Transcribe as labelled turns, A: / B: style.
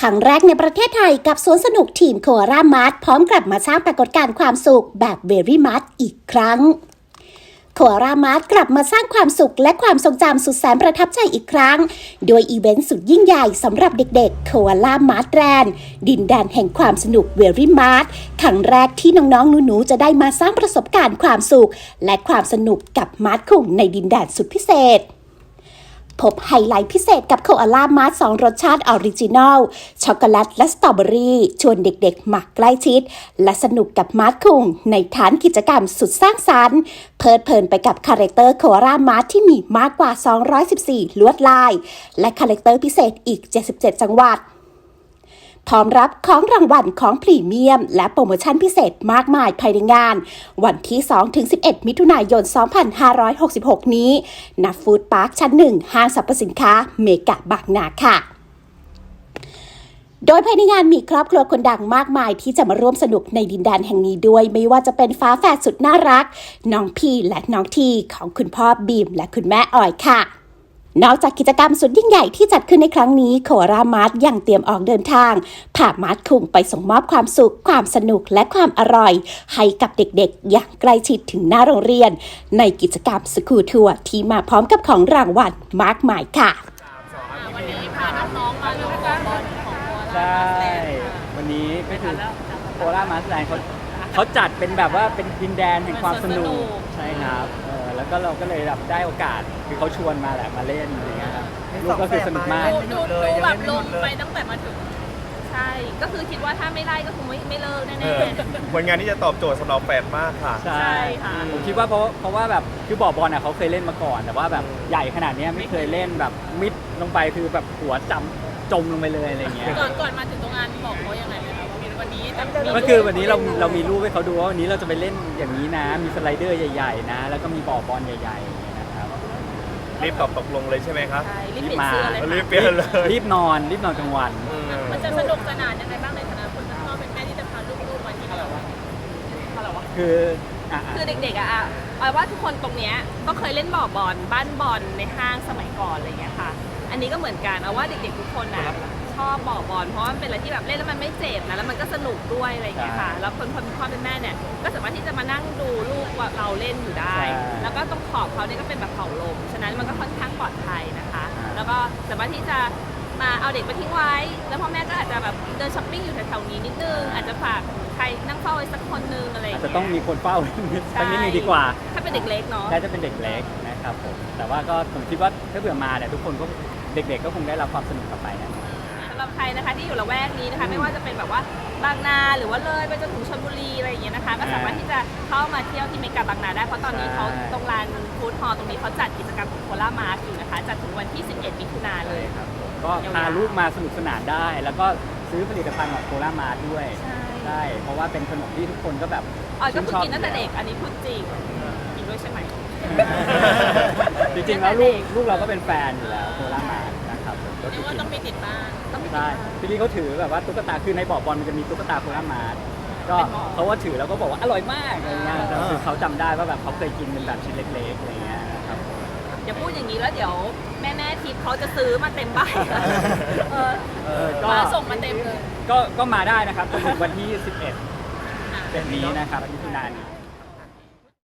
A: ครั้งแรกในประเทศไทยกับสวนสนุกทีมโคอาล่ามาร์ทพร้อมกลับมาสร้างปรากฏการณ์ความสุขแบบเวรี่มาร์ทอีกครั้งโคอาล่ามาร์ทกลับมาสร้างความสุขและความทรงจำสุดแสนประทับใจอีกครั้งโดยอีเวนต์สุดยิ่งใหญ่สำหรับเด็กๆโคอาล่ามาร์ทแลนด์ดินแดนแห่งความสนุกเวรี่มาร์ทครั้งแรกที่น้องๆหนูๆจะได้มาสร้างประสบการณ์ความสุขและความสนุกกับมาร์ทคุงในดินแดนสุดพิเศษพบไฮไลท์พิเศษกับโคอาล่ามาร์ท2รสชาติออริจินอลช็อกโกแลตและสตรอเบอรี่ชวนเด็กๆมาใกล้ชิดและสนุกกับมาร์ทคุงในฐานกิจกรรมสุดสร้างสรรค์เพลิดเพลินไปกับคาแรคเตอร์โคอาล่ามาร์ทที่มีมากกว่า214ลวดลายและคาแรคเตอร์พิเศษอีก77จังหวัดพร้อมรับของรางวัลของพรีเมียมและโปรโมชั่นพิเศษมากมายภายในงานวันที่ 2-11 มิถุนายน 2566 นี้ณฟู้ดพาร์คชั้น 1 ห้างสรรพสินค้าเมกะบางนาค่ะโดยภายในงานมีครอบครัวคนดังมากมายที่จะมาร่วมสนุกในดินแดนแห่งนี้ด้วยไม่ว่าจะเป็นฟ้าแฝดสุดน่ารักน้องพีและน้องทีของคุณพ่อบีมและคุณแม่ออยค่ะนอกจากกิจกรรมสุดยิ่งใหญ่ที่จัดขึ้นในครั้งนี้โคอาล่ามาร์ทยังเตรียมออกเดินทางพามาร์ทคุงไปส่งมอบความสุขความสนุกและความอร่อยให้กับเด็กๆอย่างใกล้ชิดถึงหน้าโรงเรียนในกิจกรรมสกูลทัวร์ที่มาพร้อมกับของรางวัลมากมายค่ะ
B: วันนี้พาน้องๆมาดูบอลของโคอา
C: ใช่
B: ล่ามาร์ทแลนด์
C: วันนี้ก็คือโคอาล่ามาร์ทแลนด์เขาจัดเป็นแบบว่าเป็นดินแดนแห่งความสนุกใช่ครับแล้วก็เราก็เลยแบบได้โอกาสคือเขาชวนมาแหละมาเล่นอะไรเงี้ยครับลูกก็คือสนุกมาก
B: ดูแบบลงไปตั้งแต่มาถึงใช่ก็คือคิดว่าถ้าไม่ไล่ก็คงไม่เลิกแน่
D: ๆผลงานที่จะตอบโจทย์สำหรับแฟนมากค่ะ
C: ใช่ค่ะผมคิดว่าเพราะว่าแบบคือบ่อบอลเขาเคยเล่นมาก่อนแต่ว่าแบบใหญ่ขนาดนี้ไม่เคยเล่นแบบมิดลงไปคือแบบหัวจมลงไปเลยอะไรเงี้ย
B: ก่อนมาถึงตรงงานบอกเขายังไงไหมคะวันนี้
C: ก็คือวันนี้เรามีรูปให้เขาดูว่าวันนี้เราจะไปเล่นอย่างนี้นะมีสไลเดอร์ใหญ่ๆนะแล้วก็มีบ่อบอลใหญ่ๆนะครับ
D: รีบตกลงเลยใช่ไหมครับ
B: ใช่รีบมา
D: รีบเปลี่ยนเลย
C: รีบนอนกลางวัน
B: มันจะสนุกสนานยังไงบ้างในฐานะคนเป็นพ่อเป็นแม่ที่จะพาลูกๆมาที่นี่คือเด็กๆเอาว่าทุกคนตรงเนี้ยก็เคยเล่นบ่อบอลบ้านบอลในห้างสมัยก่อนอะไรอย่างเงี้ยค่ะอันนี้ก็เหมือนกันเอาว่าเด็กๆทุกคนชอบบ่อบอลเพราะมันเป็นอะไรที่แบบเล่นแล้วมันไม่เจ็บนะแล้วมันก็สนุกด้วยอะไรอย่างเงี้ยค่ะแล้วคนพ่อเป็นแม่เนี่ยก็สามารถที่จะมานั่งดูลูกว่าเราเล่นอยู่ได้แล้วก็ตรงขอบเขาเนี่ยก็เป็นแบบเผาลมฉะนั้นมันก็ค่อนข้างปลอดภัยนะคะแล้วก็สามารถที่จะมาเอาเด็กมาทิ้งไว้แล้วพ่อแม่ก็อาจจะแบบเดินช้อปปิ้งอยู่แถวๆนี้นิดนึงอาจจะฝากใครนั่งเฝ้าไว้สักคนนึงอะไรอย่างเงี้ย
C: จะต้องมีคนเฝ้าสักนิดนึงดีกว่า
B: ถ้าเป็นเด็กเล็กเนาะ
C: ได้จะเป็นเด็กเล็กนะครับผมแต่ว่าก็ผมคิดว่าถ้าเผื่อมาเนี่ยทุกคนก็เด็กๆก็คงได้รับความสนุกกลับไปนะ
B: สำหรับใครนะคะที่อยู่ละแวกนี้นะคะไม่ว่าจะเป็นแบบว่าบางนาหรือว่าเลยไปจนถึงชลบุรีอะไรอย่างเงี้ยนะคะก็สามารถที่จะเข้ามาเที่ยวที่เมกะบางนาได้เพราะตอนนี้เขาตรงลานฟู้ดฮอลล์ตรงนี้เขาจัดกิจกรรมโคอาล่ามาร์ทอยู่นะคะจัดถึงวันที่11มิถุนายนเลย
C: ครับก็พาลูกมาสนุกสนานได้แล้วก็ซื้อผลิตภัณฑ์ของโคอาล่ามาร์ทด้วยใช่เพราะว่าเป็นขนมที่ทุกคนก็แบบ
B: ก็คือกินตั้งแต่เด็กอันนี้พูดจริงกินด้วยใช่ไหม
C: จริงๆแล้วลูกเราก็เป็นแฟนอยู่แล้วโคอาล่ามาร์ทนะครับ
B: เรียกว่าต้องมีติดบ้าน
C: ใช่พี่ลี่เขาถือแบบว่าตุ๊กตาคือในบ่อบอลมันจะมีตุ๊กตาโคอาล่ามาร์ทก็เขาว่าถือแล้วก็บอกว่าอร่อยมากอะไรเงี้ยคือเขาจำได้ว่าแบบเขาเคยกินเป็นแบบชิ้นเล็กๆอะไรเงี้ยนะครับ
B: อย่าพูดอย่างนี้แล้วเดี๋ยวแม่ทิพย์เขาจะซื้อมาเต็มบ้านมาส่งมาเต็มเลย
C: ก็มาได้นะครับจนถึงวันที่11เป็นนี้นะครับมิถุนายน